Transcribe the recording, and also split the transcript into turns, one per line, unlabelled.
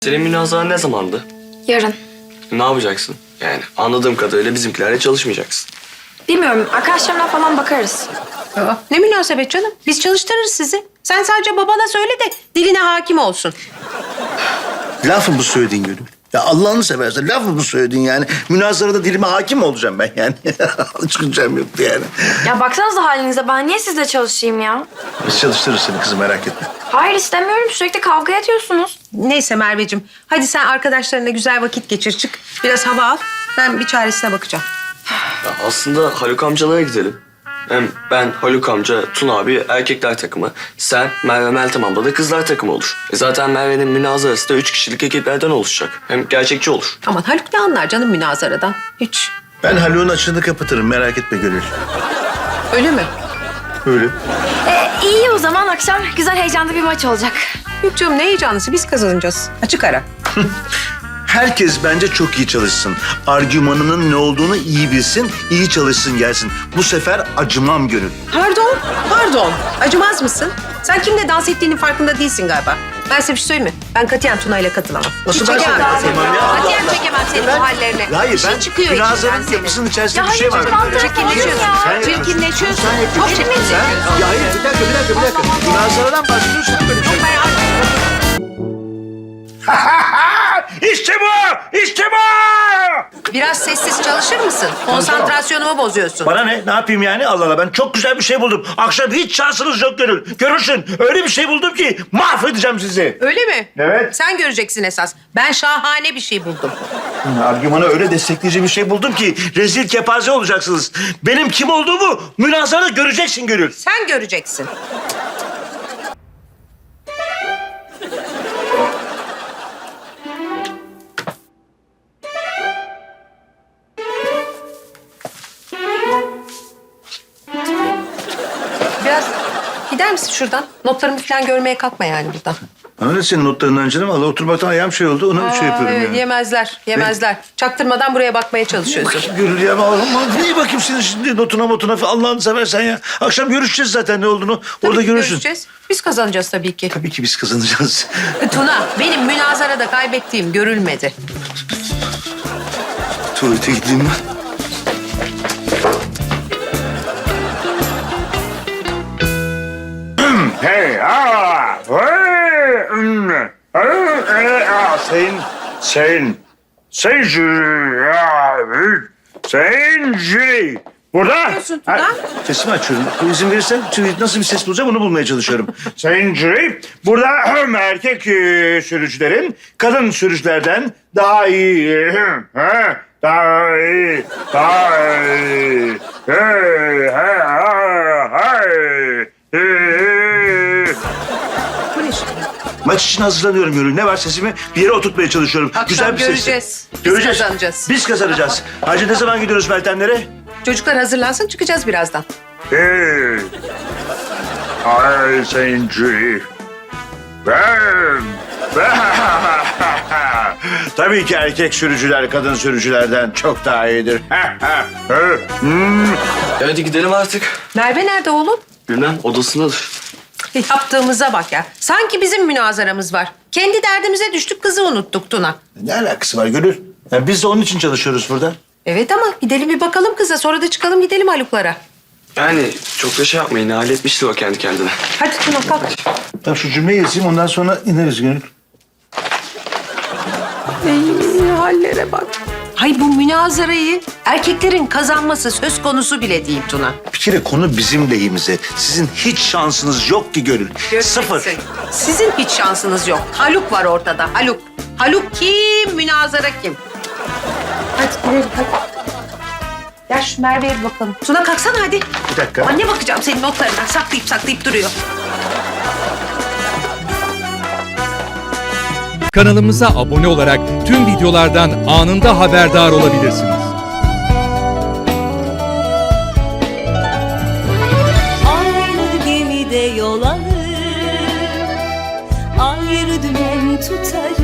Senin münazara ne zamandı?
Yarın.
Ne yapacaksın? Yani anladığım kadarıyla bizimkilerle çalışmayacaksın.
Bilmiyorum. Arkadaşlarımla falan bakarız.
Aa, ne münasebet canım. Biz çalıştırırız sizi. Sen sadece babana söyle de diline hakim olsun.
Laf mı bu söylediğin Gönül? Ya Allah'ını seversen laf mı bu söylediğin yani? Münazarada dilime hakim mi olacağım ben yani? Çıkacağım yoktu yani.
Ya baksanıza halinize. Ben niye sizle çalışayım ya?
Biz çalıştırırız seni kızım, merak etme.
Hayır istemiyorum. Sürekli kavga ediyorsunuz.
Neyse Merveciğim. Hadi sen arkadaşlarına güzel vakit geçir. Çık. Biraz hava al. Ben bir çaresine bakacağım.
Ya aslında Haluk amcalara gidelim. Hem ben, Haluk amca, Tuna abi erkekler takımı. Sen, Merve, Meltem abla da kızlar takımı olur. Zaten Merve'nin münazarası da 3 kişilik ekiplerden oluşacak. Hem gerçekçi olur.
Aman Haluk ne anlar canım münazaradan? Hiç.
Ben Haluk'un açığını kapatırım, merak etme Gönül.
Öyle mi?
Öyle.
İyi o zaman akşam güzel heyecanlı bir maç olacak.
Yok canım ne heyecanlısı. Biz kazanacağız. Açık ara.
Herkes bence çok iyi çalışsın. Argümanının ne olduğunu iyi bilsin, iyi çalışsın gelsin. Bu sefer acımam Gönül.
Pardon. Pardon. Acımaz mısın? Sen kimle dans ettiğinin farkında değilsin galiba. Ben size bir şey söyleyeyim mi? Ben katiyen Tuna ile katılamam.
Nasıl
Hiç
ben
çekemem
sana
seni.
katılamam ya? Allah
Katiyen
Allah.
çekemem senin bu hallerine.
Hayır,
Bir şey
ben
çıkıyor içinden
münazarın
senin.
yapısının içerisinde
Ya
bir şey var.
hayır, ben
Çirkinleşiyorsun.
Ya.
Sen
Çirkinleşiyorsun.
Sen
Çok
yapıyorsun.
çirkinleşiyorsun.
Ya hayır, bir dakika. Münazaradan bahsediyorsun böyle bir şey. İşte bu! İşte bu!
Biraz sessiz çalışır mısın? Konsantrasyonumu bozuyorsun.
Bana ne? Ne yapayım yani? Allah Allah, ben çok güzel bir şey buldum. Akşam hiç şansınız yok Gönül. Görürsün. Öyle bir şey buldum ki mahvedeceğim sizi.
Öyle mi?
Evet.
Sen göreceksin esas. Ben şahane bir şey buldum.
Argümanı öyle destekleyici bir şey buldum ki rezil kepaze olacaksınız. Benim kim olduğumu münazarada göreceksin Gönül.
Sen göreceksin. Biraz gider misin şuradan? Notlarımı falan görmeye kalkma yani buradan.
Öyle senin notlarından canım. Allah oturmaktan ayağım şey oldu. Ona şey yapıyorum
evet,
yani.
Yemezler. Çaktırmadan buraya bakmaya çalışıyorsun.
Gönül ya. Niye bakayım senin şimdi notuna falan Allah'ını seversen ya. Akşam görüşeceğiz zaten ne olduğunu. Orada
Tabii ki
görürsün.
görüşeceğiz. Biz kazanacağız tabii ki.
Tabii ki biz kazanacağız.
Tuna, benim münazarada kaybettiğim görülmedi.
Tuvalete gideyim ben.
Hey, sayın jüri, sayın jüri. Burada.
yapıyorsun Tuna?
Sesimi açıyorum. İzin verirsen nasıl bir ses bulacağım onu bulmaya çalışıyorum.
Sayın jüri, burada erkek sürücülerin kadın sürücülerden daha iyi, daha iyi.
Bu ne şimdi?
Maç için hazırlanıyorum Gönül. Ne var sesimi bir yere oturtmaya çalışıyorum.
Akşam
Güzel bir ses.
göreceğiz. Biz kazanacağız.
Biz kazanacağız. Hacı ne zaman gidiyoruz Meltemlere?
Çocuklar hazırlansın çıkacağız birazdan.
Ay sayın jüri. Ben.
Tabii ki erkek sürücüler kadın sürücülerden çok daha iyidir.
Hadi gidelim artık.
Merve nerede oğlum?
Bilmem odasındadır.
Yaptığımıza bak ya. Sanki bizim münazaramız var. Kendi derdimize düştük kızı unuttuk Tuna.
Ne alakası var Gönül? Ya biz de onun için çalışıyoruz burada.
Evet ama gidelim bir bakalım kıza sonra da çıkalım gidelim Haluk'lara.
Yani çok da şey yapmayın. Halletmiştir o kendi kendine.
Hadi Tuna kalk.
Tamam şu cümleyi yazayım ondan sonra ineriz Gönül.
Hallere bak. Hay bu münazarayı erkeklerin kazanması söz konusu bile değil Tuna.
Bir kere konu bizim lehimize. Sizin hiç şansınız yok ki Gönül. Sıfır.
Sizin hiç şansınız yok. Haluk var ortada. Haluk. Haluk kim? Münazara kim? Hadi gidelim hadi. Gel şu Merve'ye bir bakalım. Tuna kalksana hadi.
Bir dakika.
Anne bakacağım senin notlarına. Saklayıp duruyor.
Kanalımıza abone olarak tüm videolardan anında haberdar olabilirsiniz.
Aynı gemide yol alır, ayrı dümen tutarız.